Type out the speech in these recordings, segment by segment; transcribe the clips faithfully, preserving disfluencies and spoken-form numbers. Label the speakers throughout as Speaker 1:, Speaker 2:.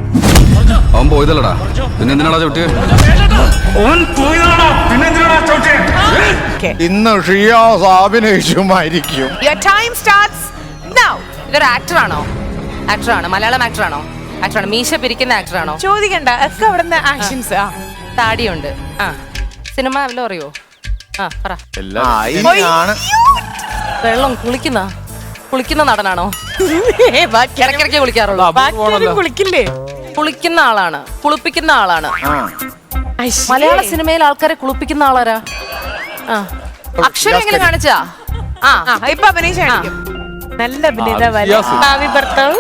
Speaker 1: അവൻ പോയതല്ലടാ, പിന്നെ എന്തിനാടാ ചവിട്ടിയെ?
Speaker 2: ഇന്ന് ഷിയാസ് അഭിനയിച്ചുമായിരിക്കും.
Speaker 3: ഇതൊരു ആക്ടറാണോ? ആക്ടറാണ്, മലയാളം ആക്ടറാണോ? ആക്ടറാണ്, മീശ പിരിക്കുന്ന ആക്ടറാണോ?
Speaker 4: ചോദിക്കണ്ട, ഒക്കെ അവിടുന്ന് ആക്ഷൻസ്.
Speaker 3: താടിയുണ്ട്. ആ, സിനിമ വല്ലതും അറിയോ? ആ, പറ. വെള്ളം കുളിക്കുന്ന കുളിക്കുന്ന നടനാണോ? ഇടയ്ക്കിടയ്ക്ക് കുളിക്കാറുള്ളൂ.
Speaker 4: കുളിക്കില്ലേ?
Speaker 3: കുളിക്കുന്ന ആളാണ്, കുളിപ്പിക്കുന്ന ആളാണ്. മലയാള സിനിമയിൽ ആൾക്കാരെ കുളിപ്പിക്കുന്ന ആളാരാ? ആ, അക്ഷരം എങ്ങനെ കാണിച്ചാ? ആ,
Speaker 4: ഇപ്പൊ അഭിനയിച്ച നല്ല അഭിനേത ഭാവി ഭർത്താവ്.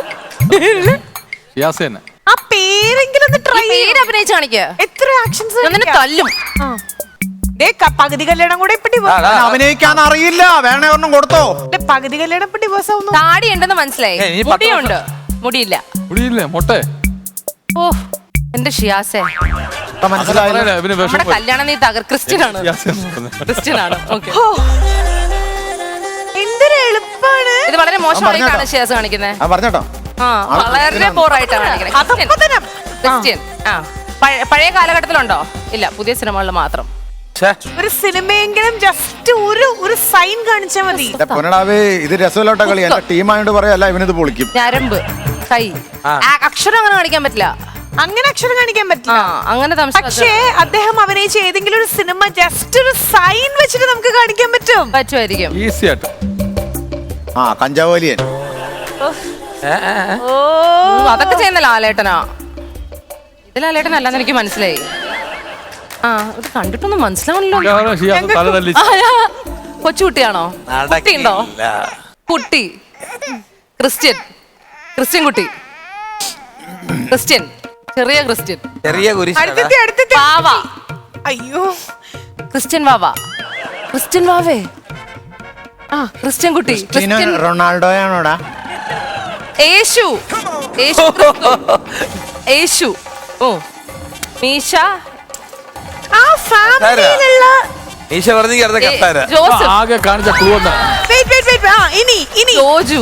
Speaker 4: ആ പേരെങ്കിലും ട്രൈ
Speaker 3: പേര് അഭിനയിച്ച് കാണിക്കുക.
Speaker 4: എത്ര ആക്ഷൻസ്
Speaker 3: തല്ലും.
Speaker 4: പകുതി കല്യാണം കൂടെ ഇപ്പൊ
Speaker 2: അഭിനയിക്കാൻ അറിയില്ല. വേണേ ഒരെണ്ണം കൊടുത്തോ?
Speaker 4: പകുതി കല്യാണം ഇപ്പൊ ഡിവോഴ്സ് ആവുന്നു.
Speaker 3: താടി ഉണ്ടെന്ന് മനസ്സിലായി, മുടിയുണ്ട്. മുടിയില്ല.
Speaker 5: മുടിയില്ലേ? മൊട്ടെ.
Speaker 3: ഓ എന്റെ ഷിയാസേ, നമ്മുടെ കല്യാണം നീ തകർ. ക്രിസ്ത്യൻ ആണ്, ക്രിസ്ത്യൻ ആണ്. ഓക്കെ,
Speaker 4: എന്തൊരു എളുപ്പാണ്
Speaker 3: ഇത്. വളരെ മോശമായിട്ടാണ് ഷിയാസ് കാണിക്കുന്നത്.
Speaker 2: പറഞ്ഞോ.
Speaker 3: ആ, വളരെ ബോറായിട്ടാണ് കാണിക്കുന്നത്. ക്രിസ്ത്യൻ. ആ, പഴയ കാലഘട്ടത്തിലുണ്ടോ? ഇല്ല, പുതിയ സിനിമകളിൽ മാത്രം.
Speaker 4: ഒരു സിനിമയെങ്കിലും ജസ്റ്റ് ഒരു ഒരു സൈൻ കാണിച്ചാൽ മതി.
Speaker 2: ഇത് രസമില്ലോട്ട കളി. എന്റെ ടീമായോട് പറയല്ല, ഇവനിത് പൊളിക്കും.
Speaker 3: ഞരമ്പ്, കൈ, അക്ഷരം അങ്ങനെ കാണിക്കാൻ പറ്റില്ല.
Speaker 4: അങ്ങനെ അക്ഷരം കാണിക്കാൻ പറ്റില്ല.
Speaker 3: അങ്ങനെ
Speaker 4: പക്ഷേ അദ്ദേഹം അഭിനയിച്ച ഏതെങ്കിലും ഒരു സിനിമ ജസ്റ്റ് ഒരു സൈൻ വെച്ചിട്ട് നമുക്ക് കാണിക്കാൻ പറ്റും.
Speaker 3: പറ്റുമായിരിക്കും.
Speaker 5: ഈസി ആയിട്ട്.
Speaker 2: ആ, കഞ്ചാവലിയൻ.
Speaker 3: ഓ, അതൊക്കെ ചെയ്യുന്ന ലാലേട്ടനാ. ഇത് ലാലേട്ടനല്ലെന്ന് എനിക്ക് മനസ്സിലായി. ആ, ഇത് കണ്ടിട്ടൊന്നും മനസ്സിലാവണല്ലോ. കൊച്ചുകുട്ടിയാണോ? കുട്ടിയുണ്ടോ? കുട്ടി, ക്രിസ്ത്യൻ, ക്രിസ്ത്യൻ കുട്ടി, ക്രിസ്ത്യൻ, ചെറിയ ക്രിസ്ത്യൻ,
Speaker 6: ചെറിയ
Speaker 3: വാവ.
Speaker 4: അയ്യോ,
Speaker 3: ക്രിസ്ത്യൻ വാവ, ക്രിസ്ത്യൻ വാവേ. ആ, ക്രിസ്ത്യൻ കുട്ടി, ക്രിസ്ത്യൻ
Speaker 2: റൊണാൾഡോയാണോടാ?
Speaker 3: യേശു, യേശു, യേശു. ഓ, മീശ.
Speaker 4: ആ ഫാമിലിയിലുള്ള
Speaker 3: ജോസഫ്.
Speaker 5: ആകെ കാണിച്ച ക്ലൂ എന്താ?
Speaker 4: Wait wait wait. ആ, ഇനി ഇനി
Speaker 3: ജോജു.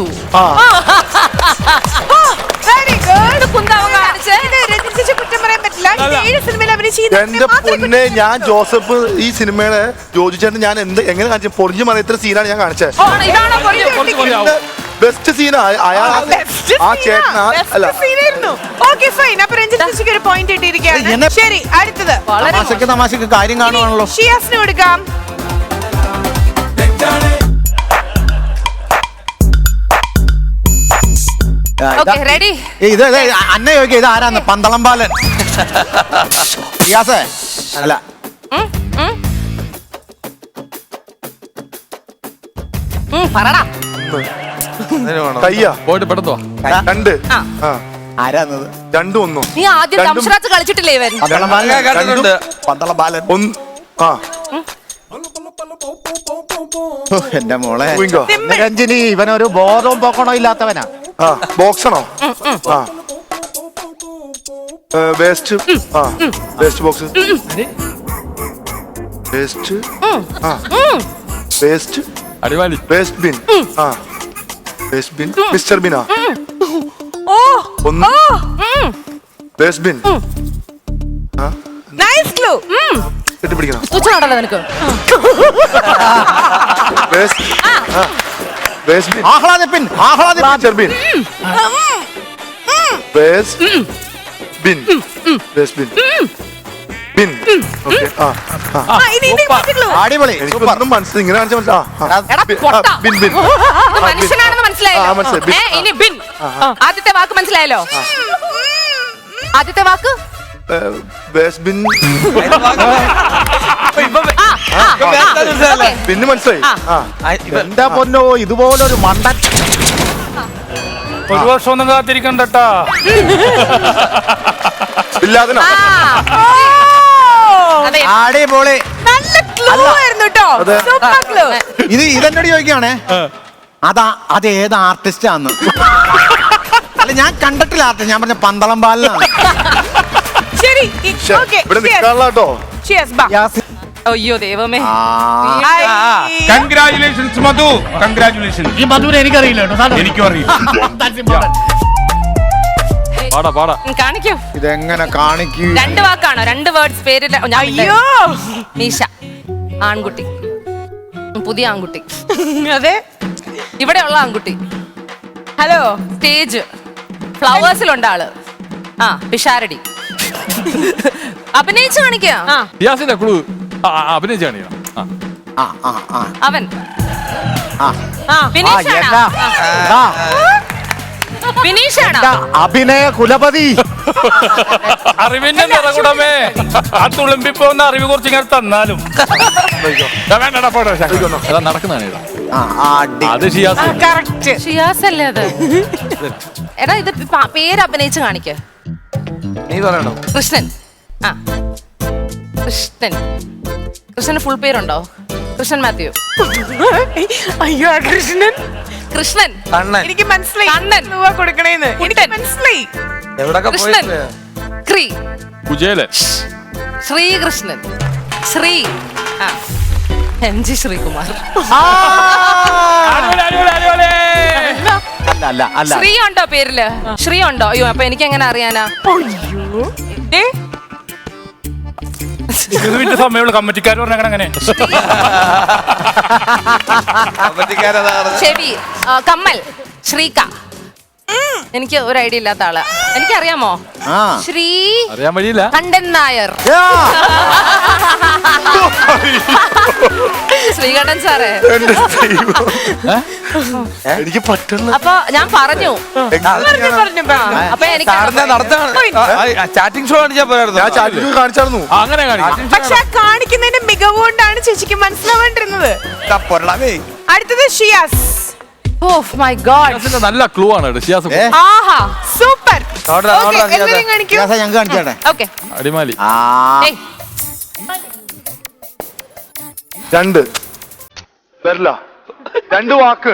Speaker 4: Very good. കുന്താവ കാണിച്ച് ഇത് രഞ്ജിച്ച് കുറ്റം പറയാൻ പറ്റില്ല. ഇത് ഏഴ് സിനിമയിൽ അഭിനയിച്ച
Speaker 7: എന്റെ പൊന്നെ, ഞാൻ ജോസഫ് ഈ സിനിമയുടെ ജോജു ചേട്ടൻ ഞാൻ എന്ത് എങ്ങനെ കാണിച്ചു? പൊറിഞ്ഞു മറിയ ഇത്ര സീനാണ് ഞാൻ കാണിച്ചത്. ബെസ്റ്റ് സീൻ അയാൾ ആ ചേട്ടൻ അല്ല.
Speaker 4: Okay fine. അപ്പോൾ രഞ്ജിത്ത് ഒരു പോയിന്റ് ഇട്ടിരിക്കുകയാണ്. ശരി, അടുത്തത്
Speaker 2: തമാശക്ക് തമാശക്ക് കാര്യം കാണുവാണല്ലോ.
Speaker 4: ഷിയാസിന് കൊടുക്കാം.
Speaker 3: റെഡി?
Speaker 2: ഇത് അന്നെ ചോദിക്കുക, ഇത് ആരാന്ന്? പന്തളം ബാലൻ. ഷിയാസേ അല്ല.
Speaker 3: പറടാ.
Speaker 7: കയ്യാ
Speaker 5: പോയിട്ട് പെട്ടെന്നോ?
Speaker 7: രണ്ട്.
Speaker 2: ആരാന്നത്?
Speaker 7: രണ്ടും ഒന്നോ?
Speaker 3: നീ ആദ്യം ദംഷറാത്ത് കളിച്ചിട്ടില്ലേ ഇവൻ?
Speaker 2: പന്തളം ബാലൻ. പന്തളം ബാലൻ.
Speaker 7: ഒന്ന്. ആ,
Speaker 2: എന്റെ മോളെ രഞ്ജിനി, ഇവനൊരു ബോധവും പോക്കണോ ഇല്ലാത്തവനാ.
Speaker 7: ആ, ബോക്സാണോ? ആ, വേസ്റ്റ്. ആ, വേസ്റ്റ് ബോക്സ്. വേസ്റ്റ്. ആ, വേസ്റ്റ്.
Speaker 5: അടിവാലി.
Speaker 7: Waste bin. ആ, വേസ്റ്റ് ബിൻ. മിസ്റ്റർ ബിനാ.
Speaker 4: ഓ,
Speaker 7: ഒന്ന്. Waste bin. ആ,
Speaker 4: നൈസ് ക്ലൂ.
Speaker 7: കെട്ടിപ്പിടിക്കണം.
Speaker 3: തുച്ഛനാണല്ലോ നിനക്ക്.
Speaker 7: വേസ്റ്റ്. ആ, വേസ്റ്റ് ബിൻ.
Speaker 2: ആഹ്ലാദിപ്പിൻ. ആഹ്ലാദിപ്പിൻ.
Speaker 7: Mister bin. Waste bin. Waste bin. Bin. Okay. ആ, ആ.
Speaker 4: ആ, ഇനി ഇനി ക്ലൂ.
Speaker 2: അടിപൊളി.
Speaker 7: എനിക്കൊന്നും മനസ്സിലായി. ഇങ്ങനെ കാണിച്ചാൽ മനസ്സിലായി.
Speaker 3: എടാ, പൊട്ടാ.
Speaker 7: Bin bin.
Speaker 3: ഇത് മനുഷ്യനാണെന്ന് മനസ്സിലായല്ലോ.
Speaker 7: ആ, മനസ്സിലായി. ബിൻ.
Speaker 3: ഏ, ഇനി ബിൻ. ആദ്യത്തെ വാക്ക് മനസ്സിലായല്ലോ. ആദ്യത്തെ വാക്ക്
Speaker 7: വേസ്റ്റ് ബിൻ. ബിന്ന് മനസ്സിലായി. ആ,
Speaker 2: എന്റെ പൊന്നോ, ഇതുപോലൊരു മണ്ടൻ.
Speaker 5: ഒരു വർഷം ഒന്നും കാത്തിരിക്കണ്ടട്ടാ.
Speaker 7: ഇല്ലാതിനാ.
Speaker 2: അടിപൊളി.
Speaker 4: നല്ല ക്ലൂ ആയിരുന്നു കേട്ടോ. Super clue.
Speaker 2: ഇത് ഇതെന്നോട് ചോദിക്കുകയാണേ, അതാ അത് ഏത് ആർട്ടിസ്റ്റ് ആന്ന്? അല്ല, ഞാൻ കണ്ടിട്ടില്ല ആർട്ടിസ്റ്റ്. ഞാൻ പറഞ്ഞ പന്തളം ബാലനാണ്.
Speaker 4: ശരി, ഓക്കേ.
Speaker 7: ഇവിടെ നിൽക്കാനുള്ള കേട്ടോ.
Speaker 4: ഷിയാസ് ബാ.
Speaker 3: അയ്യോ ദൈവമേ.
Speaker 8: കൺഗ്രാറ്റുലേഷൻസ് മധു. കൺഗ്രാറ്റുലേഷൻസ്.
Speaker 9: ഈ മധുവിനെ എനിക്കറിയില്ല കേട്ടോ.
Speaker 8: എനിക്കും അറിയില്ല.
Speaker 5: പാടാ പാടാ
Speaker 3: ഉം, കാണിക്കൂ.
Speaker 2: ഇതെങ്ങനെ കാണിക്കൂ?
Speaker 3: രണ്ട് വാക്കാണോ? രണ്ട് വേർഡ്സ് പേര്. ഞാൻ
Speaker 4: അയ്യോ
Speaker 3: മീശ, ആൺകുട്ടി, ഉം, പുതിയ ആൺകുട്ടി,
Speaker 4: അതെ.
Speaker 3: ഇവിടെയുള്ള ആൺകുട്ടി,
Speaker 4: ഹലോ.
Speaker 3: സ്റ്റേജ്, ഫ്ലവേഴ്സിലുണ്ട് ആള്. ആ പിഷാരടി. അഭിനയിച്ചു കാണിക്കുക.
Speaker 4: ആ
Speaker 5: ഷിയാസിന്റെ ക്ലൂ അഭിനയിച്ച് കാണിക്കണം. ആ.
Speaker 2: ആ ആ ആ
Speaker 3: അവൻ
Speaker 2: ആ
Speaker 4: ആ
Speaker 2: ആ,
Speaker 3: ബിനീഷാണോ?
Speaker 2: എന്താ?
Speaker 3: ആ,
Speaker 2: ആ,
Speaker 3: ബിനീഷാണോ?
Speaker 2: എന്താ? അഭിനയ കുലപതി.
Speaker 5: അറിവിന്റെ നിറകുടമേ ആ തുളുമ്പിപ്പോന്ന അറിവ് കുറച്ച് ഇങ്ങനെ തന്നാലും വേണ്ടടാ പോട്ടെ അതാ നടക്കുന്നതാണ്.
Speaker 2: ആ, ആ, അടി.
Speaker 5: അത് ഷിയാസ്.
Speaker 4: കറക്റ്റ്.
Speaker 3: ഷിയാസ് അല്ലേ അത്? എടാ ഇത് പ- പേര് അഭിനയിച്ച് കാണിക്ക.
Speaker 5: നീ പറയണോ?
Speaker 3: കൃഷ്ണൻ. ആ കൃഷ്ണൻ. കൃഷ്ണന് ഫുൾ പേരുണ്ടോ? കൃഷ്ണൻ മാത്യു.
Speaker 4: അയ്യോ ആ കൃഷ്ണൻ.
Speaker 3: കൃഷ്ണൻ.
Speaker 4: എനിക്ക് മനസ്സിലായി
Speaker 3: കണ്ണൻ.
Speaker 4: രൂപ കൊടുക്കണേന്ന്. എനിക്ക് മനസ്സിലായി.
Speaker 3: കൃഷ്ണൻ. ക്രീ.
Speaker 5: കുജേലൻ.
Speaker 3: ശ്രീകൃഷ്ണൻ. ശ്രീ. ആ എം ജി ശ്രീകുമാർ.
Speaker 2: ആ,
Speaker 5: അടിപൊളി, അടിപൊളി, അടിപൊളി.
Speaker 2: അല്ല അല്ല അല്ല
Speaker 3: ശ്രീ ഉണ്ടോ പേരില്? ശ്രീ ഉണ്ടോ? അയ്യോ അപ്പൊ എനിക്ക് എങ്ങനെ അറിയാനാ?
Speaker 4: ഏ,
Speaker 5: ഇതിന്റെ സമയമുള്ള കമ്മിറ്റിക്കാർ പറഞ്ഞ അങ്ങനെ
Speaker 3: ചെവി. ആ, കമ്മൽ. ശ്രീക. എനിക്ക് ഒരു ഐഡിയ ഇല്ലാത്ത ആള്. എനിക്കറിയാമോ?
Speaker 2: ആ.
Speaker 3: ശ്രീ
Speaker 5: അറിയാൻ വഴിയില്ല.
Speaker 3: കണ്ടൻ നായർ.
Speaker 2: യാ.
Speaker 3: ശ്രീകണ്ഠൻ സാറേ.
Speaker 7: എന്റെ ദൈവം. എനിക്ക് പറ്റുന്ന
Speaker 3: അപ്പൊ ഞാൻ പറഞ്ഞു.
Speaker 4: പറഞ്ഞു പറഞ്ഞു പറഞ്ഞു.
Speaker 3: അപ്പൊ എനിക്ക്
Speaker 5: ചാറ്റിംഗ് ഷോ കാണിച്ചാ പോയായിരുന്നു.
Speaker 7: ഞാൻ ചാറ്റിൽ കാണിച്ചായിരുന്നു.
Speaker 5: ആ, അങ്ങനെ കാണിക്കാം.
Speaker 4: പക്ഷെ ആ കാണിക്കുന്നതിന്റെ മികവ് കൊണ്ടാണ് ചേച്ചിക്ക് മനസ്സിലാവേണ്ടിരുന്നത്. അടുത്തത് ഷിയാസ്.
Speaker 3: Oh my God.
Speaker 5: ഷിയാസിന്റെ നല്ല ക്ലൂ ആണ് കേട്ടോ. ഷിയാസ്
Speaker 2: ഏ?
Speaker 4: ആഹാ സൂപ്പർ. എല്ലാരും കാണിക്കൂ.
Speaker 2: ഷിയാസ, ഞങ്ങൾക്ക് കാണിച്ചേട്ടെ.
Speaker 3: ഓക്കെ.
Speaker 5: അടിമാലി.
Speaker 2: ആ,
Speaker 3: ഏയ്
Speaker 7: രണ്ട് വരില്ല. രണ്ട് വാക്ക്.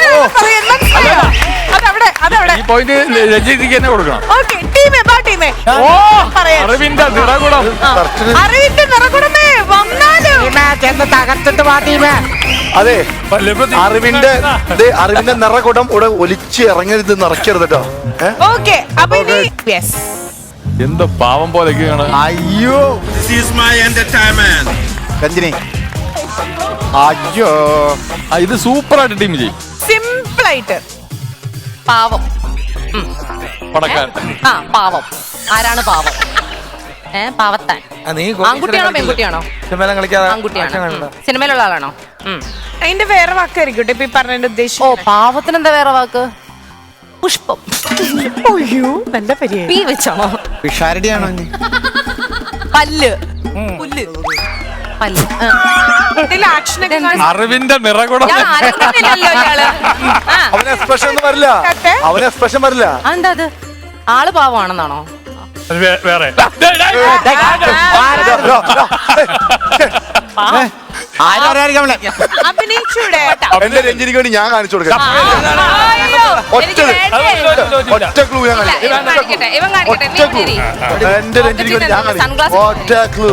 Speaker 4: അതവിടെ അതവിടെ.
Speaker 5: ഈ പോയിന്റ് രഞ്ജിതിക്ക് തന്നെ കൊടുക്കണം.
Speaker 4: ഓക്കെ ടീമേ ബാ ടീമേ.
Speaker 5: ഓ
Speaker 4: പറയാം.
Speaker 5: അറിവിന്റെ നിറകുടം.
Speaker 4: അറിവിന്റെ നിറകുടമേ വന്നാലും.
Speaker 2: ചെന്ന് തകർത്തിട്ട് പാട്ടീമേ.
Speaker 7: അതെ,
Speaker 5: ലഭ്യത-
Speaker 7: അറിവിന്റെ ദേ, അറിവിന്റെ നിറകുടം ഇവിടെ ഒലിച്ച് ഇറങ്ങരുത്, നിറയ്ക്കരുത് കേട്ടോ. ഏ?
Speaker 4: ഓക്കെ അപ്പൊ ഇനി യെസ്.
Speaker 5: എന്ത് പാവം പോലെയൊക്കെയാണ്.
Speaker 2: അയ്യോ
Speaker 6: This is my entertainment.
Speaker 2: Ranjini. അയ്യോ
Speaker 5: ആ, ഇത് സൂപ്പർ ആയിട്ട് ടീം ചെയ്യും.
Speaker 4: സിമ്പിൾ ആയിട്ട്.
Speaker 3: പാവം.
Speaker 5: പടക്കാൻ.
Speaker 3: ആ പാവം. ആരാണ് പാവം? ഏ പാവത്താൻ. ആൺകുട്ടിയാണോ പെൺകുട്ടിയാണോ? ആൺകുട്ടിയാണ്. സിനിമയിലുള്ള ആളാണോ? ഉം.
Speaker 4: അതിന്റെ വേറെ വാക്കായിരിക്കും ഇപ്പൊ ഈ പറഞ്ഞതിന്റെ
Speaker 3: ഓ
Speaker 4: ഉദ്ദേശം.
Speaker 3: പാവത്തിന് എന്താ വേറെ വാക്ക്? പുഷ്പം.
Speaker 4: അയ്യോ നല്ല പരിപാടി.
Speaker 3: പീ വെച്ചാണോ?
Speaker 2: പിഷാരടിയാണോ ഇനി?
Speaker 3: പല്ല്. പുല്ല്. പല്ല്. ആ.
Speaker 4: ഇതിൽ ആക്ഷൻ ഒക്കെ കാണി-
Speaker 5: അറിവിന്റെ നിറകുടം.
Speaker 3: ഞാൻ അറിയുന്നില്ലല്ലോ ഇയാള്. ആ.
Speaker 7: അവന് എക്സ്പ്രഷൻ ഒന്നും വരില്ല. അവന് എക്സ്പ്രഷൻ വരില്ല.
Speaker 3: അതെന്താ അത്? ആള് പാവമാണെന്നാണോ?
Speaker 5: അത് വേ- വേറെ
Speaker 2: ആരും അറിയാതിരിക്കാൻ
Speaker 4: അഭിനയിച്ചൂടെ?
Speaker 7: എന്റെ രഞ്ജിനിക്ക് വേണ്ടി ഞാൻ കാണിച്ചു കൊടുക്കാം.
Speaker 3: അയ്യോ,
Speaker 7: ഒറ്റ
Speaker 3: എനിക്ക് വേണ്ടേ?
Speaker 7: ഒറ്റ ക്ലൂ ഞാൻ
Speaker 3: ഇല്ല, ഇവൻ കാണിക്കട്ടെ, ഇവൻ കാണിക്കട്ടെ.
Speaker 7: ഒറ്റ
Speaker 3: നീ
Speaker 7: ക്ലൂ.
Speaker 3: ഇരി.
Speaker 7: എന്റെ രഞ്ജിനിക്ക് വേണ്ടി ഞാൻ കാണിച്ചു.
Speaker 3: Sunglasses
Speaker 7: ഒറ്റ clue.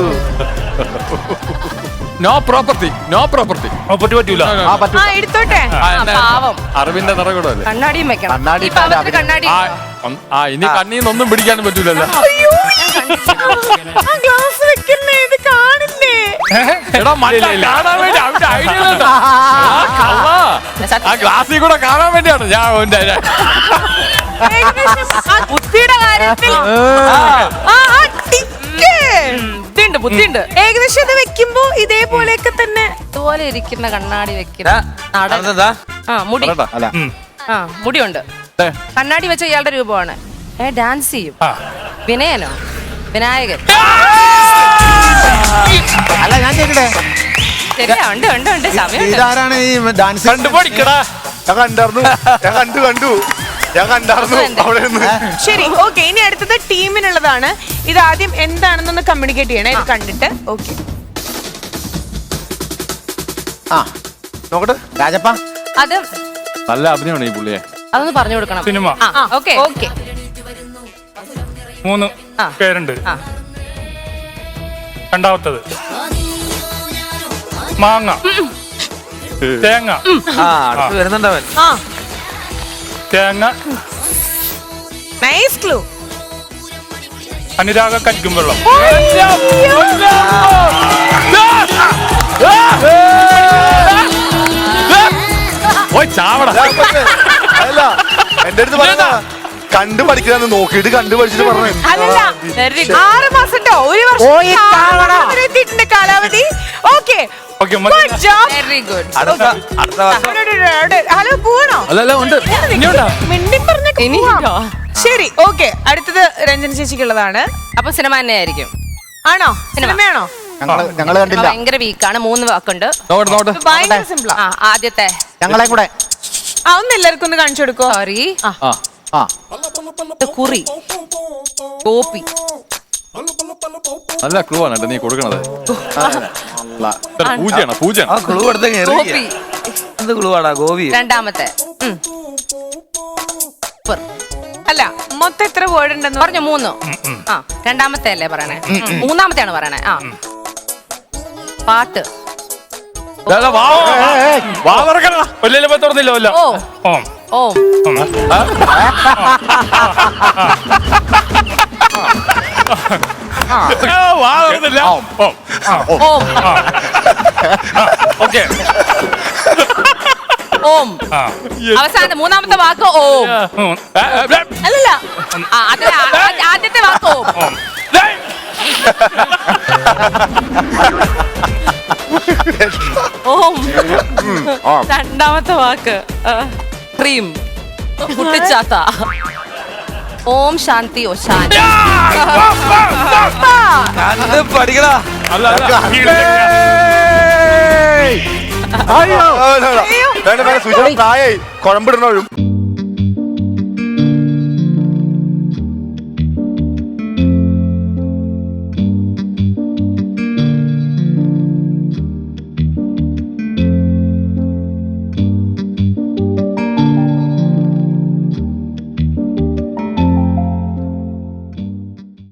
Speaker 5: No property. No property. Property പറ്റൂല.
Speaker 2: ആ പറ്റൂ.
Speaker 4: ആ എടുത്തോട്ടെ.
Speaker 3: ആ, പാവം.
Speaker 5: അറിവിന്റെ നിറകുടമല്ലേ.
Speaker 3: കണ്ണാടിയും വെക്കണം.
Speaker 2: കണ്ണാടി
Speaker 3: ഈ പാവത്തിന് കണ്ണാടി
Speaker 5: ആ ഒന്ന്- ആ ഇനി കണ്ണീന്നൊന്നും പിടിക്കാനും പറ്റൂലല്ലോ.
Speaker 4: അയ്യോ ആ ഗ്ലാസ് വെക്കുന്നേ ഇത് കാണില്ലേ?
Speaker 5: എടാ മറ്റേ കാണാൻ വേണ്ടി അവന്റെ ഐഡിയ ഇല്ലല്ലോ. ആ, കള്ളാ. ആ ഗ്ലാസ്സിൽ കൂടെ കാണാൻ വേണ്ടിയാണ് ഞാൻ അവന്റെ
Speaker 4: ഏകദേശം ആ
Speaker 3: ബുദ്ധിയുടെ കാര്യത്തിൽ
Speaker 4: ആ, ആ, ടിക്ക്.
Speaker 3: ബുദ്ധിയുണ്ട് ബുദ്ധിയുണ്ട്.
Speaker 4: ഏകദേശം ഇത് വെക്കുമ്പോ ഇതേപോലെയൊക്കെ തന്നെ.
Speaker 3: ഇതുപോലെ ഇരിക്കുന്ന കണ്ണാടി വെക്കുന്ന നടൻ. ആ മുടി.
Speaker 2: അല്ല
Speaker 3: ആ മുടിയുണ്ട്. കണ്ണാടി വെച്ച ഇയാളുടെ രൂപമാണ്. ഏ ഡാൻസ് ചെയ്യും. വിനയനോ? വിനായകൻ.
Speaker 2: അല്ല ഞാൻ ചോദിക്കട്ടെ,
Speaker 3: ശരിയാ ഉണ്ട് ഉണ്ട് ഉണ്ട് സമയമുണ്ട്.
Speaker 2: ഇതാരാണ് ഈ ഡാൻസ്?
Speaker 5: കണ്ടുപിടിക്കടാ.
Speaker 7: ഞാൻ കണ്ടായിരുന്നു. ഞാൻ കണ്ടു കണ്ടു ഞാൻ കണ്ടായിരുന്നു അവിടെ നിന്ന്.
Speaker 4: ശരി ഓക്കെ ഇനി അടുത്തത് ടീമിനുള്ളതാണ്. ഇത് ആദ്യം എന്താണെന്നൊന്ന് കമ്മ്യൂണിക്കേറ്റ് ചെയ്യണേ ഇത് കണ്ടിട്ട്. ഓക്കെ
Speaker 2: ആ
Speaker 7: നോക്കട്ടെ.
Speaker 2: രാജപ്പ
Speaker 3: അത്
Speaker 5: നല്ല അഭിനയമാണ് ഈ പുള്ളിയെ.
Speaker 3: അതൊന്ന് പറഞ്ഞു കൊടുക്കണം.
Speaker 5: സിനിമ.
Speaker 3: ആ ഓക്കെ ഓക്കെ.
Speaker 5: മൂന്ന്
Speaker 3: ആ.
Speaker 5: പേരുണ്ട്.
Speaker 3: ആ
Speaker 5: രണ്ടാമത്തത് മാങ്ങ തേങ്ങ.
Speaker 4: ആ
Speaker 5: തേങ്ങ
Speaker 4: നൈസ് ക്ലൂ.
Speaker 5: അനുരാഗ കരിക്കും വെള്ളം. ഓയ് ചാവട.
Speaker 7: അല്ല എന്റെ അടുത്ത് പറഞ്ഞ കണ്ടു പഠിക്കാന്ന് നോക്കിയിട്ട് കണ്ടു പഠിച്ചിട്ട് പറഞ്ഞു.
Speaker 4: അല്ലല്ല
Speaker 3: Very good.
Speaker 4: ആറ് മാസട്ടോ ഒരു വർഷം
Speaker 2: പോയി കാണടാ.
Speaker 4: എത്തിയിട്ടുണ്ട് കാലാവധി. Okay
Speaker 5: okay
Speaker 4: good job.
Speaker 3: Very good
Speaker 5: അടുത്ത അടുത്ത വർഷം.
Speaker 4: ഹലോ പോണോ
Speaker 5: അല്ലല്ല ഉണ്ട് ഇനിയുണ്ടോ?
Speaker 4: മിണ്ടി പറഞ്ഞ
Speaker 3: ഇനിയുണ്ടോ?
Speaker 4: ശരി ഓക്കെ അടുത്തത് രഞ്ജന ചേച്ചിക്കുള്ളതാണ്.
Speaker 3: അപ്പൊ സിനിമ തന്നെ ആയിരിക്കും.
Speaker 4: ആണോ സിനിമയാണോ?
Speaker 2: ഞങ്ങള് ഞങ്ങള് കണ്ടില്ല.
Speaker 3: ഭയങ്കര വീക്കാണ്. മൂന്ന് വാക്കുണ്ട്.
Speaker 5: നോട്ട് നോട്ട്
Speaker 4: ഇത് ഭയങ്കര സിമ്പിളാ.
Speaker 3: ആ ആദ്യത്തെ
Speaker 2: ഞങ്ങളെ കൂടെ
Speaker 4: ആ ഒന്ന് എല്ലാവർക്കും ഒന്ന് കാണിച്ചു കൊടുക്കോ.
Speaker 3: സോറി
Speaker 5: ആ
Speaker 2: ആ
Speaker 3: കുറി ഗോപി
Speaker 5: നല്ല ക്ലൂ ആണ് കേട്ടോ നീ കൊടുക്കണത്. പൂജയാണ് പൂജയാണ്.
Speaker 8: ആ ക്ലൂ എടുത്ത
Speaker 3: ഗോപി
Speaker 8: എന്ത് ക്ലൂ ആടാ ഗോപി?
Speaker 3: രണ്ടാമത്തെ ഉം. സൂപ്പർ.
Speaker 4: അല്ല മൊത്തം എത്ര വേർഡ് ഉണ്ടെന്ന്
Speaker 3: പറഞ്ഞ മൂന്ന്. ആ രണ്ടാമത്തെ അല്ലേ പറയണേ? മൂന്നാമത്തെയാണ് പറയണേ. ആ പാട്ട്.
Speaker 5: വാ തുറക്കണ വലിയ തുറന്നില്ല വല്ല.
Speaker 3: ഓ
Speaker 5: ഓ
Speaker 3: ഓ
Speaker 5: വാ തുറന്നില്ല. ഓ
Speaker 3: ഓം
Speaker 5: ഓക്കെ.
Speaker 3: ഓം അവസാനത്തെ മൂന്നാമത്തെ വാക്ക് ഓം. അല്ലല്ല ആ, അതിലെ ആ- ആദ്യത്തെ വാക്ക് ഓം. ഓം രണ്ടാമത്തെ വാക്ക് ക്രീം കുട്ടിച്ചാത്ത. ഓം ശാന്തി ഓ ശാന്തി.
Speaker 8: കണ്ട് പഠിക്കടാ.
Speaker 5: അല്ല അല്ല
Speaker 7: വേണ്ട വേണ്ട സുജ പ്രായായി കുഴമ്പിടണോഴും